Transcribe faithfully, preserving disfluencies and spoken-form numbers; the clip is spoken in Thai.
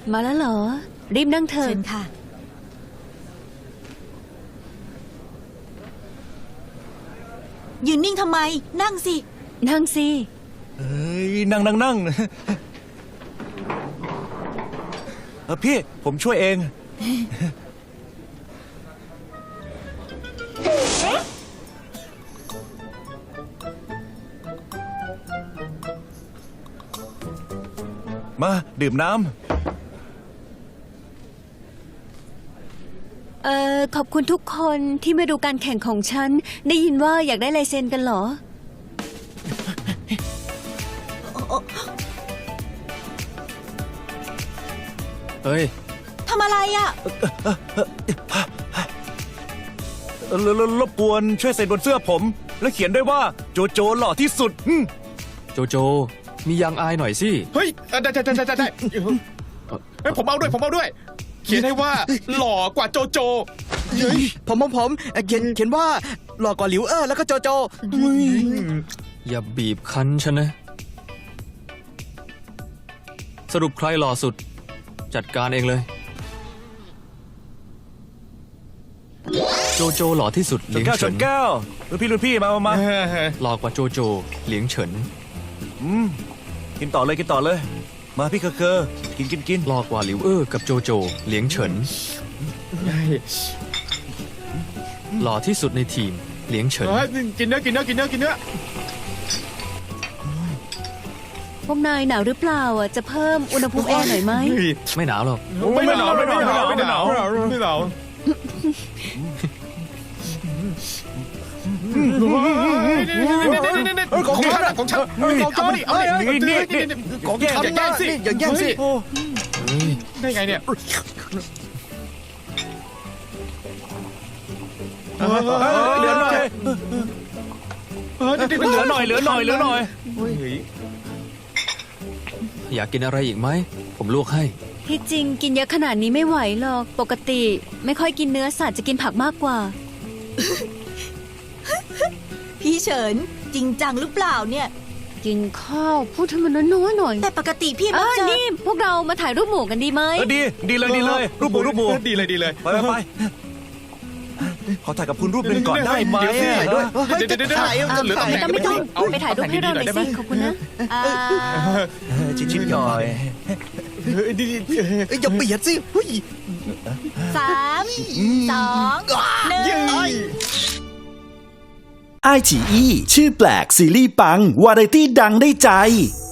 มาแล้วเหรอรีบนั่งเถอะเชิญค่ะยืนนิ่งทำไมนั่งสินั่งสิเอ้ยนั่งนั่งนั่งเออพี่ผมช่วยเองมาดื่มน้ำเอ่อขอบคุณทุกคนที่มาดูการแข่งของฉันได้ยินว่าอยากได้ลายเซ็นกันเหรอเฮ้ยทำอะไรอ่ะเอ่อรรรบกวนช่วยเซ็นบนเสื้อผม แล้วเขียนด้วยว่าโจโจหล่อที่สุดอืมโจโจมียังอายหน่อยสิเฮ้ยได้ได้ได้ได้ได้เฮ้ยผมเอาด้วยผมเอาด้วย เขียนให้ว่าหล่อกว่าโจโจผมผมผมเอ่อเขียนเขียนว่าหล่อกว่าหลิวเออแล้วก็โจโจอย่าบีบคั้นฉันนะ สรุปใครหล่อสุด จัดการเองเลย โจโจหล่อที่สุดชเหลีนยงแก้วชเฉินนแก้วรุ่นพี่รุ่นพี่มามามาหล่อกว่าโจโจเหลียงเฉินอืมกินต่อเลยกินต่อเลย มาพี่เคอเคอกินกินกินหล่อกว่าหลิวเออกับโจโจเหลียงเฉิน หล่อที่สุดในทีมเหลียงเฉินเฮ้ยกินเนื้อกินเนื้อกินเนื้อกินเนื้อพวกนายหนาวหรือเปล่าอ่ะจะเพิ่มอุณหภูมิแอร์หน่อยไหมไม่หนาวหรอกไม่หนาวไม่หนาวไม่หนาวไม่หนาวไม่หนาวของฉันของฉันเอาดิเอาดินี่นี่นี่ของฉันอย่าแย่งสิอย่าแย่งสิเฮ้ยได้ไงเนี่ยเหลือหน่อยเหลือหน่อยเหลือหน่อยเหลือหน่อยอยากกินอะไรอีกไหม ผมลวกให้ที่จริงกินเยอะขนาดนี้ไม่ไหวหรอกปกติไม่ค่อยกินเนื้อสัตว์จะกินผักมากกว่าพี่เฉินจริงจังหรือเปล่าเนี่ยกินข้าวพูดให้มันน้อยๆหน่อยแต่ปกติพี่เอมักอจะนี่พวกเรามาถ่ายรูปหมู่กันดีไหมเออดีดีเลยดีเลยรูปหมูรูปหมูดีเลยดีเลยไปไปไปขอถ่ายกับคุณรูปหนึ่งก่อนได้ไหมถ่ายด้วยเฮ้ยเดี๋ยวจะเดี๋ยวเดี๋ยวถ่ายเหลือจะตำถ่ายแหน่งไม่ต้องไม่ต้องไปถ่ายรูปให้เราหน่อยสิขอบคุณนะอ่าชิ้นชิ้นหน่อยดีดีเอ้ยอย่าเบียดสิเฮ้ยสามสองหนึ่งไอฉีอีชื่อแปลกซีรีส์ปัง วาไรตี้ดังได้ใจ